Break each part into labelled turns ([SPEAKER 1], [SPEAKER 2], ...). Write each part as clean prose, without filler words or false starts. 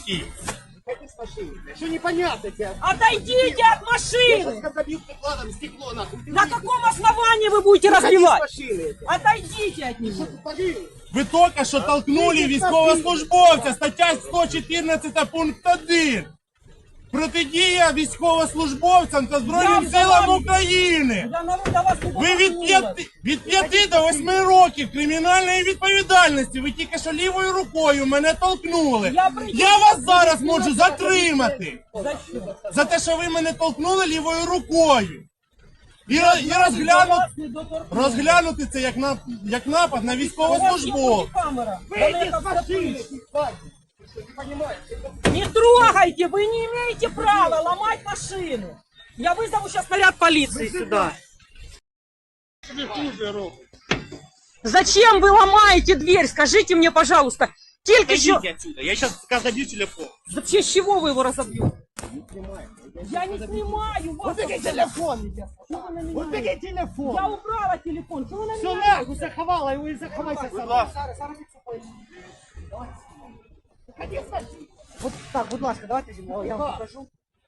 [SPEAKER 1] чоловіків.
[SPEAKER 2] Что непонятно тебе?
[SPEAKER 3] Отойдите от машины!
[SPEAKER 2] Я забил прикладом стекло, нахуй.
[SPEAKER 3] На каком основании вы будете разбивать? Отойдите от него!
[SPEAKER 1] Ви тільки що толкнули військовослужбовця, стаття 114 пункт 1. Протидія військовослужбовцям та Збройним силам України. Ви від 5 до 8 років кримінальної відповідальності. Ви тільки що лівою рукою мене толкнули. Я вас зараз можу затримати. За те, що ви мене толкнули лівою рукою. І розглянути це як напад на військовослужбовця.
[SPEAKER 2] Выйди с машины!
[SPEAKER 3] Не трогайте, вы не имеете права ломать машину. Я вызову сейчас наряд полиции сюда. Зачем вы ломаете дверь? Скажите мне, пожалуйста. Только еще...
[SPEAKER 1] Отсюда. Я сейчас забью телефон.
[SPEAKER 3] Вообще, с чего вы его разобьете? Я не снимаю вас.
[SPEAKER 2] Убери телефон! Убери телефон!
[SPEAKER 3] Я убрала телефон. Чего вы на
[SPEAKER 2] Все
[SPEAKER 3] меня?
[SPEAKER 2] нахуй заховала его и заховайся сама. Вот так, будь ласка, давайте зимой, я вам покажу.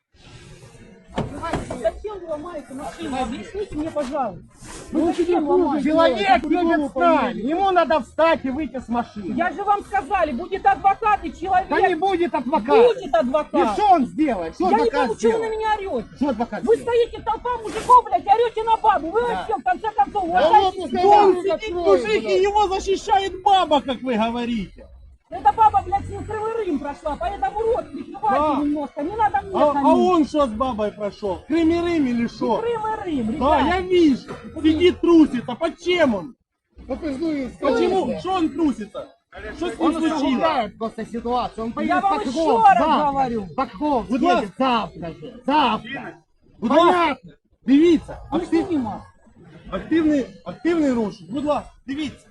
[SPEAKER 3] Зачем вы ломаете машину? Объясните мне, пожалуйста. Вы зачем ломаете?
[SPEAKER 2] Человек едет встать, ему надо встать и выйти с машины.
[SPEAKER 3] Я же вам сказали, будет адвокат и человек.
[SPEAKER 2] Да не будет адвоката.
[SPEAKER 3] Будет адвокат.
[SPEAKER 2] И что он сделает? Что
[SPEAKER 3] Я не
[SPEAKER 2] адвокат
[SPEAKER 3] пойму, чего вы на
[SPEAKER 2] сделает?
[SPEAKER 3] меня орете.
[SPEAKER 2] Что адвокат
[SPEAKER 3] Вы
[SPEAKER 2] сделает?
[SPEAKER 3] стоите, толпа мужиков, блядь, орете на бабу. Вы вообще, в конце концов, вот
[SPEAKER 2] ну,
[SPEAKER 3] такие.
[SPEAKER 1] Он сидит мужик, и его защищает баба, как вы говорите.
[SPEAKER 3] Эта баба, блядь, с ним Кривый Рим прошла, поэтому рот прикрывайте немножко. Не надо мне
[SPEAKER 1] А
[SPEAKER 3] хамить.
[SPEAKER 1] он что с бабой прошел? Кримерым или что?
[SPEAKER 3] Кривый Рим,
[SPEAKER 1] Да,
[SPEAKER 3] ребят.
[SPEAKER 1] я вижу. Сидит, трусится. Почему он?
[SPEAKER 2] Ну,
[SPEAKER 1] Почему? Что он трусится? Что с ним
[SPEAKER 2] Он
[SPEAKER 1] случилось?
[SPEAKER 2] усугубляет просто ситуацию. Он поедет
[SPEAKER 3] вам
[SPEAKER 2] под
[SPEAKER 3] еще
[SPEAKER 2] Хов
[SPEAKER 3] раз
[SPEAKER 2] завтра.
[SPEAKER 3] говорю.
[SPEAKER 2] Под Хов
[SPEAKER 1] Будь
[SPEAKER 2] едет
[SPEAKER 1] ласка.
[SPEAKER 2] завтра же. Завтра.
[SPEAKER 1] Будь ласка,
[SPEAKER 2] Понятно.
[SPEAKER 1] дивіться.
[SPEAKER 3] Не снимай.
[SPEAKER 1] Активний розшук. Будь ласка, дивіться.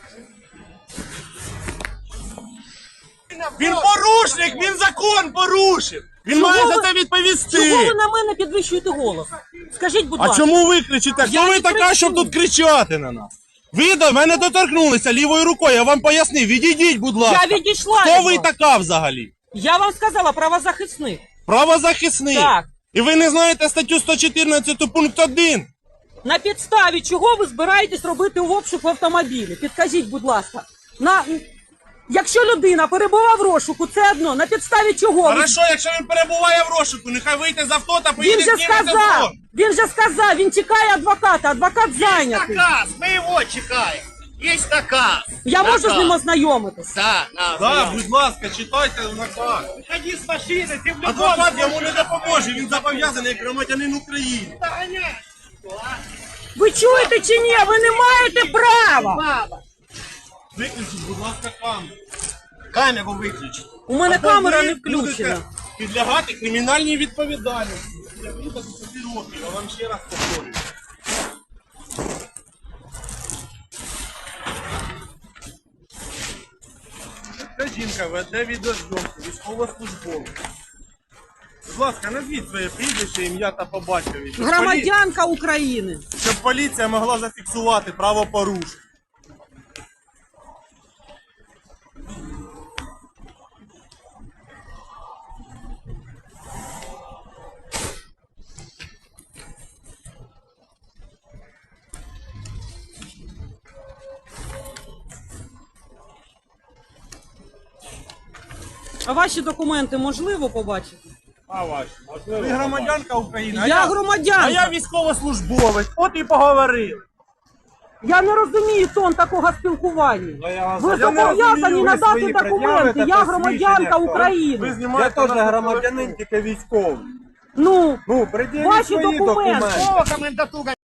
[SPEAKER 1] Він порушник, він закон порушив. Він має за це відповісти.
[SPEAKER 3] Чого ви на мене підвищуєте голос? Скажіть, будь
[SPEAKER 1] А
[SPEAKER 3] ласка.
[SPEAKER 1] чому ви кричите? Хто
[SPEAKER 3] Я
[SPEAKER 1] ви
[SPEAKER 3] не
[SPEAKER 1] така,
[SPEAKER 3] кричу.
[SPEAKER 1] щоб тут кричати на нас? Ви до мене доторкнулися лівою рукою, я вам пояснив. Відійдіть, будь ласка.
[SPEAKER 3] Я відійшла
[SPEAKER 1] Хто
[SPEAKER 3] від
[SPEAKER 1] ви
[SPEAKER 3] вас.
[SPEAKER 1] така взагалі?
[SPEAKER 3] Я вам сказала, правозахисник.
[SPEAKER 1] Правозахисник.
[SPEAKER 3] Так.
[SPEAKER 1] І ви не знаєте статтю 114 пункт 1?
[SPEAKER 3] На підставі чого ви збираєтесь робити обшук в автомобілі? Підкажіть, будь ласка. Якщо людина перебуває в розшуку, це одно. На підставі чого?
[SPEAKER 1] Хорошо, якщо він перебуває в розшуку, нехай вийде з авто та
[SPEAKER 3] Він
[SPEAKER 1] поїде
[SPEAKER 3] же
[SPEAKER 1] з ними за
[SPEAKER 3] сказав,
[SPEAKER 1] фронт.
[SPEAKER 3] він чекає адвоката, адвокат зайнятий.
[SPEAKER 4] Наказ, мы его чекаем. Есть наказ.
[SPEAKER 3] Я можу з ним ознайомитись?
[SPEAKER 4] Да,
[SPEAKER 1] Так, будь ласка, читайте наказ.
[SPEAKER 4] Выходи с машины, ты в
[SPEAKER 1] Адвокат йому не допоможе, він зобов'язаний як громадянин України.
[SPEAKER 3] Ви чуєте чи ні? Ви не маєте права.
[SPEAKER 1] Виключіть, будь ласка, камеру.
[SPEAKER 4] Камеру выключи.
[SPEAKER 3] У мене
[SPEAKER 1] Або
[SPEAKER 3] камера
[SPEAKER 1] ви
[SPEAKER 3] не включена.
[SPEAKER 1] будете підлягати кримінальній відповідальності. Я буду 10 років, я вам ще раз повторюю. Ця жінка веде відеозйомку, військовослужбовця. Будь ласка, назвіть своє прізвище, ім'я та по батькові.
[SPEAKER 3] Громадянка України.
[SPEAKER 1] Щоб поліція могла зафіксувати правопорушення.
[SPEAKER 3] А ваші документи можливо побачити?
[SPEAKER 1] А ваші? Ви громадянка України,
[SPEAKER 3] Я громадянка.
[SPEAKER 1] а я військовослужбовець. От і поговорили.
[SPEAKER 3] Я не розумію тон такого спілкування. Ви
[SPEAKER 1] не
[SPEAKER 3] зобов'язані
[SPEAKER 1] розумію,
[SPEAKER 3] надати документи. Я громадянка
[SPEAKER 1] Ви
[SPEAKER 3] України.
[SPEAKER 1] знімаєте
[SPEAKER 5] Я теж
[SPEAKER 1] нас
[SPEAKER 5] громадянин, тільки військовий.
[SPEAKER 3] Ну,
[SPEAKER 5] Ну, приділіть
[SPEAKER 3] ваші
[SPEAKER 5] свої
[SPEAKER 3] документи.
[SPEAKER 5] документи.
[SPEAKER 2] Комендатура